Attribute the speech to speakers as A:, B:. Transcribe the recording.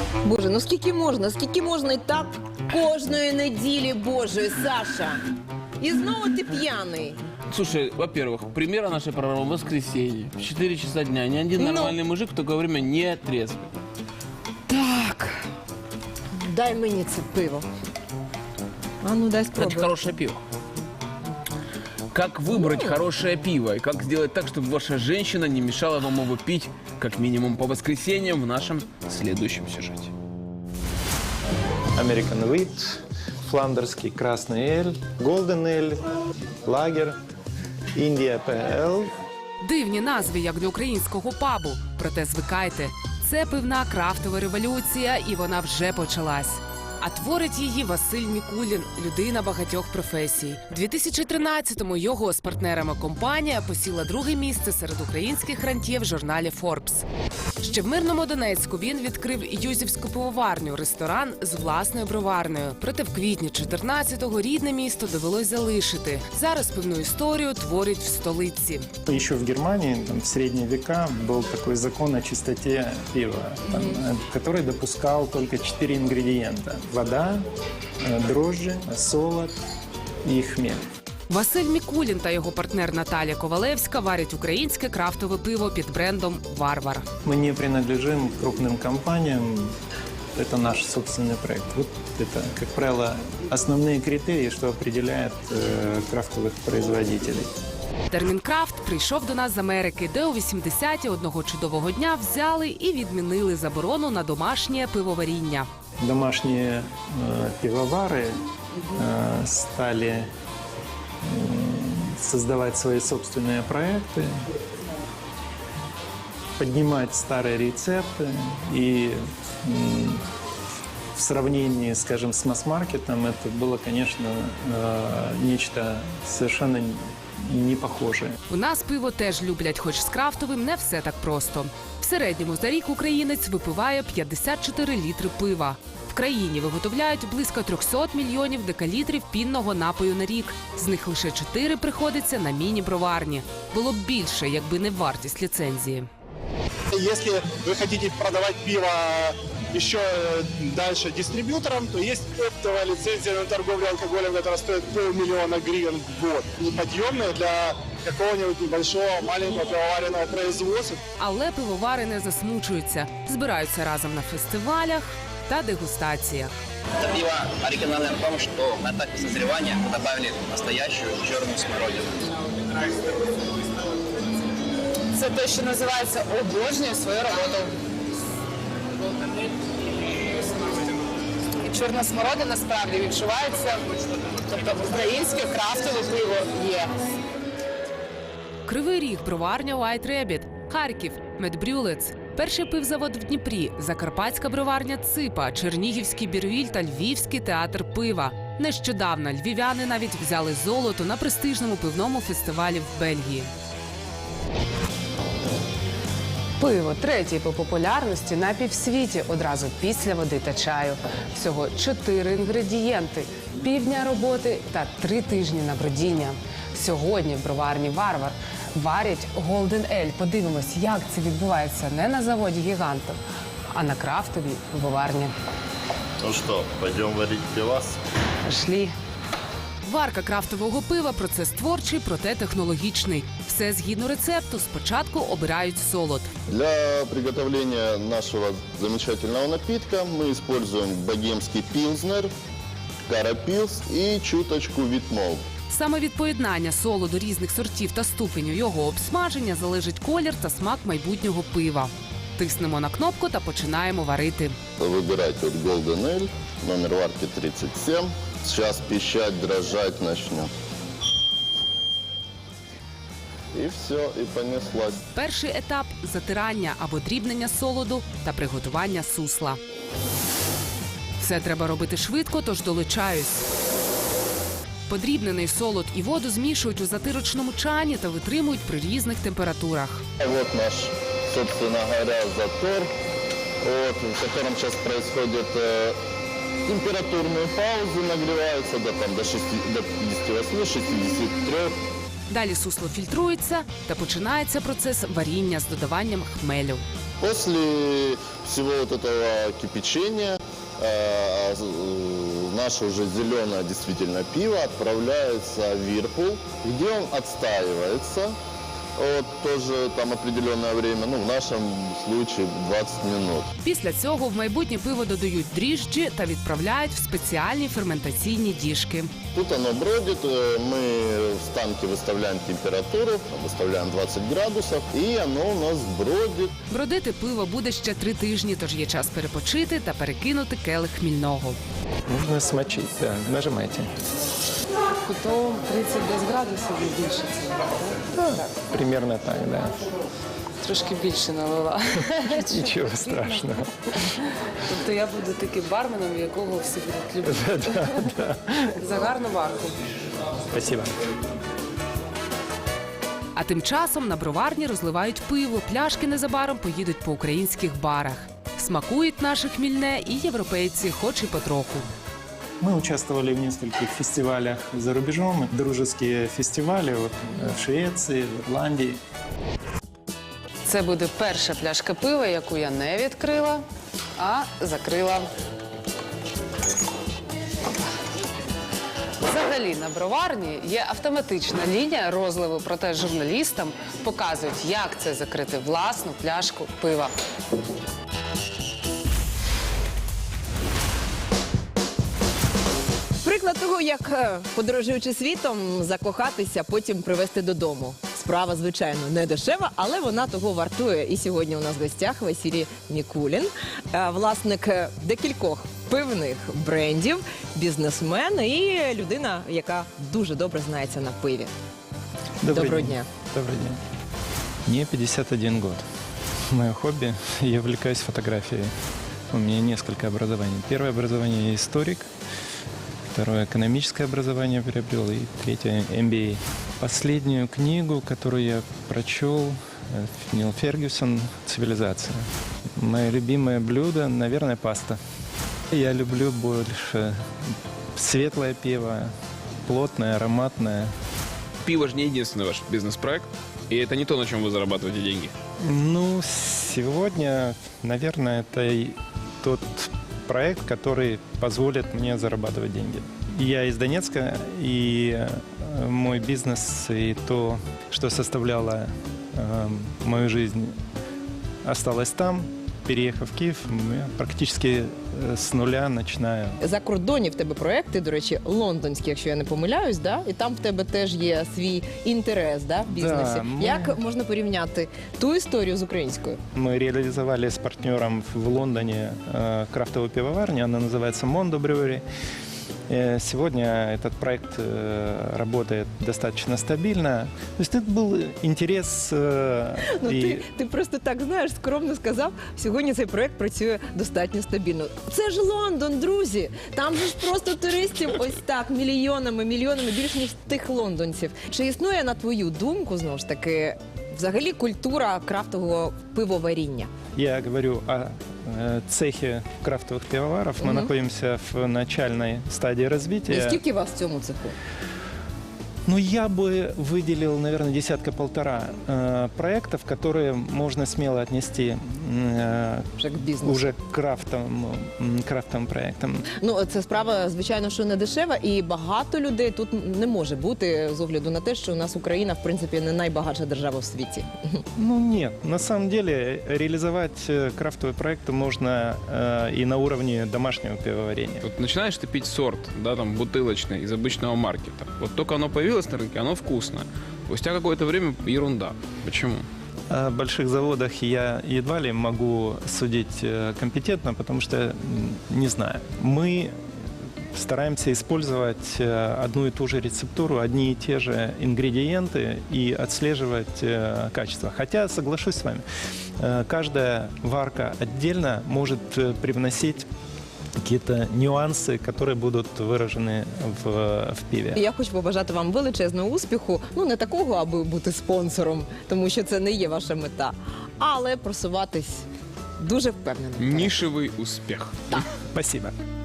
A: Боже, ну скільки можна? Скільки можна і так кожної неділі, Боже, Саша? І знову ти п'яний.
B: Слушай, во-первых, премьера нашей программы в воскресенье, в 4 часа дня. Ни один нормальный мужик в такое время не трезвый.
A: Так, дай мені це пиво. А ну, дай
B: Кстати,
A: спробую.
B: хорошее пиво. Как выбрать хорошее пиво и как сделать так, чтобы ваша женщина не мешала вам его пить, как минимум по воскресеньям в нашем следующем сюжете.
C: American Wheat, фландерский красный эль, Golden эль, лагер, India PL.
D: Дивні назви, як для українського пабу. Проте звикайте, це пивна крафтова революція, і вона вже почалась. А творить її Василь Мікулін, людина багатьох професій. У 2013-му його з партнерами компанія посіла друге місце серед українських рантьє в журналі Forbes. Ще в мирному Донецьку він відкрив Юзівську пивоварню, ресторан з власною броварнею. Проте в квітні 14-го рідне місто довелось залишити. Зараз пивну історію творять в столиці.
C: Еще в Германии, в средние века, был такой закон о чистоте пива, который допускал только 4 ингредиента. Вода, дрожжи, солод и хмель.
D: Василь Мікулін та його партнер Наталя Ковалевська варять українське крафтове пиво під брендом «Варвар».
C: Мы не принадлежим крупным компаниям, это наш собственный проект. Вот это, как правило, основные критерии, что определяет крафтовых производителей.
D: Термін «крафт» прийшов до нас з Америки, де у 80-ті одного чудового дня взяли і відмінили заборону на домашнє пивоваріння.
C: Домашние пивовары стали создавать свои собственные проекты, поднимать старые рецепты и в сравнении, скажем, с масс-маркетом это было, конечно, нечто совершенно не похожее.
D: У нас пиво теж люблять, хоч з крафтовим не все так просто. В середньому за рік українець випиває 54 літри пива. В країні виготовляють близько 300 мільйонів декалітрів пінного напою на рік. З них лише 4 приходиться на міні-броварні. Було б більше, якби не вартість ліцензії.
E: Если вы хотите продавать пиво еще дальше дистрибьюторам, то есть оптовая лицензия на торговлю алкоголем, которая стоит $500 000 гривен в год. Неподъемная для какого-нибудь небольшого, маленького пивоваренного производства.
D: Але пивовари не засмучуються. Збираються разом на фестивалях та дегустаціях.
F: Это пиво оригинальное в том, что на этапе созревания мы добавили настоящую черную смородину.
D: Це те, що називається «обожнюю свою роботу». І чорна смородина справді відчувається, тобто українське крафтове пиво є. Кривий Ріг, броварня White Rabbit, Харків, Медбрюлец, перший пивзавод в Дніпрі, Закарпатська броварня Ципа, Чернігівський Бірвіль та Львівський театр пива. Нещодавно львів'яни навіть взяли золото на престижному пивному фестивалі в Бельгії. Пиво третє по популярності на півсвіті одразу після води та чаю. Всього 4 інгредієнти, півдня роботи та 3 тижні на бродіння. Сьогодні в броварні «Варвар» варять Golden Ale. Подивимось, як це відбувається не на заводі гігантів, а на крафтовій пивоварні.
G: Ну что, пойдем варить пивас?
D: Пішли. Варка крафтового пива – процес творчий, проте технологічний. Все згідно рецепту. Спочатку обирають солод.
G: Для приготовления нашего замечательного напитка мы используем богемский пилзнер, карапилс и чуточку витмол.
D: Саме від поєднання солоду різних сортів та ступеню його обсмаження залежить колір та смак майбутнього пива. Тиснемо на кнопку та починаємо варити.
G: Выбирайте вот Golden Ale, номер варки 37. Сейчас пищать, дрожать начнет. И все, и понеслась.
D: Перший етап – затирання або дрібнення солоду та приготування сусла. Все треба робити швидко, тож долучаюсь. Подрібнений солод і воду змішують у затирочному чані та витримують при різних температурах.
G: Вот наш, собственно говоря, затор, вот, в котором сейчас происходит температурные паузы, нагреваются до 58-63.
D: Далі сусло фільтрується та починається процес варіння з додаванням хмелю.
G: После всего вот этого кипячения наше уже зеленое действительно пиво отправляется в Вирпул, где он отстаивается. Вот тоже там определенное время, ну в нашем случае 20 минут.
D: Після цього в майбутнє пиво додають дріжджі та відправляють в спеціальні ферментаційні діжки.
G: Тут оно бродит, мы в станке выставляем температуру, выставляем 20 градусов, и оно у нас бродит.
D: Бродити пиво буде ще 3 тижні, тож є час перепочити та перекинути келих хмільного.
C: Нужно смочить, да, нажимайте.
D: То 30 градусів і більше.
C: Примерно так, да.
D: Трошки більше налила.
C: Ничего страшного.
D: Тобто я буду таким барменом, якого всі будуть любити. За гарну варку.
C: Спасибо.
D: А тим часом на броварні розливають пиво, пляшки незабаром поїдуть по українських барах. Смакують наше хмільне і європейці, хоч і потроху.
C: Мы участвовали в нескольких фестивалях за рубежом, дружеские фестивали вот, в Швеции, в Ирландии.
D: Це буде перша пляшка пива, яку я не відкрила, а закрила. Взагалі на броварні є автоматична лінія розливу, проте журналістам показують, як це закрити власну пляшку пива.
A: Приклад того, як подорожуючи світом, закохатися, потім привезти додому. Справа, звичайно, не дешева, але вона того вартує. І сьогодні у нас в гостях Василій Мікулін, власник декількох пивних брендів, бізнесмен і людина, яка дуже добре знається на пиві. Доброго дня.
C: Добрый день. Мне 51 год. Мое хобби, я увлекаюсь фотографией. У меня несколько образований. Первое образование я историк, второе экономическое образование приобрел и третье MBA. Последнюю книгу, которую я прочел, Нил Фергюсон «Цивилизация». Мое любимое блюдо, наверное, паста. Я люблю больше светлое пиво, плотное, ароматное.
B: Пиво же не единственный ваш бизнес-проект, и это не то, на чем вы зарабатываете деньги.
C: Ну, сегодня, наверное, это и тот проект, который позволит мне зарабатывать деньги. Я из Донецка, и мой бизнес, и то, что составляло мою жизнь, осталось там. Переехав в Киев, я практически з нуля починаю.
A: За кордоні в тебе проекти, до речі, лондонські, якщо я не помиляюсь, да? І там в тебе теж є свій інтерес, да, в бізнесі.
C: Да,
A: Як можна порівняти ту історію з українською?
C: Мы реализовали с партнером в Лондоне крафтовую пивоварню, она называется Mondo Brewery. Сегодня этот проект работает достаточно стабильно. То есть это был интерес.
A: Ти просто так, знаєш, скромно сказав, сьогодні цей проект працює достатньо стабільно. Це ж Лондон, друзі! Там же ж просто туристів ось так, мільйонами, більш ніж тих лондонців. Чи існує, на твою думку, знову ж таки, взагалі культура крафтового пивоваріння?
C: Я говорю о цехе крафтовых пивоваров. Мы находимся в начальной стадии
A: І
C: развития.
A: скільки вас в цьому цеху?
C: Ну, я бы выделил, наверное, десятка-полтора проектов, которые можно смело отнести
A: Вже к бізнесу.
C: уже к крафтовым проектам.
A: Ну, це справа, звичайно, що не дешева, і багато людей тут не може бути з огляду на те, що у нас Україна, в принципі, не найбагатша держава в світі.
C: Ну, нет. На самом деле, реализовать крафтовые проекты можно и на уровне домашнего пивоварения.
B: Вот начинаешь ты пить сорт, да, там, бутылочный из обычного маркета. Вот только оно появилось на рынке, оно вкусное. Спустя какое-то время ерунда. Почему?
C: О больших заводах я едва ли могу судить компетентно, потому что не знаю. Мы стараемся использовать одну и ту же рецептуру, одни и те же ингредиенты и отслеживать качество. Хотя, соглашусь с вами, каждая варка отдельно может привносить какие-то нюансы, которые будут выражены в пиве.
A: Я хочу побажати вам величезного успіху. Ну, не такого, аби бути спонсором, тому що це не є ваша мета, але просуватись дуже впевнено.
B: Нишевый успех.
C: Спасибо.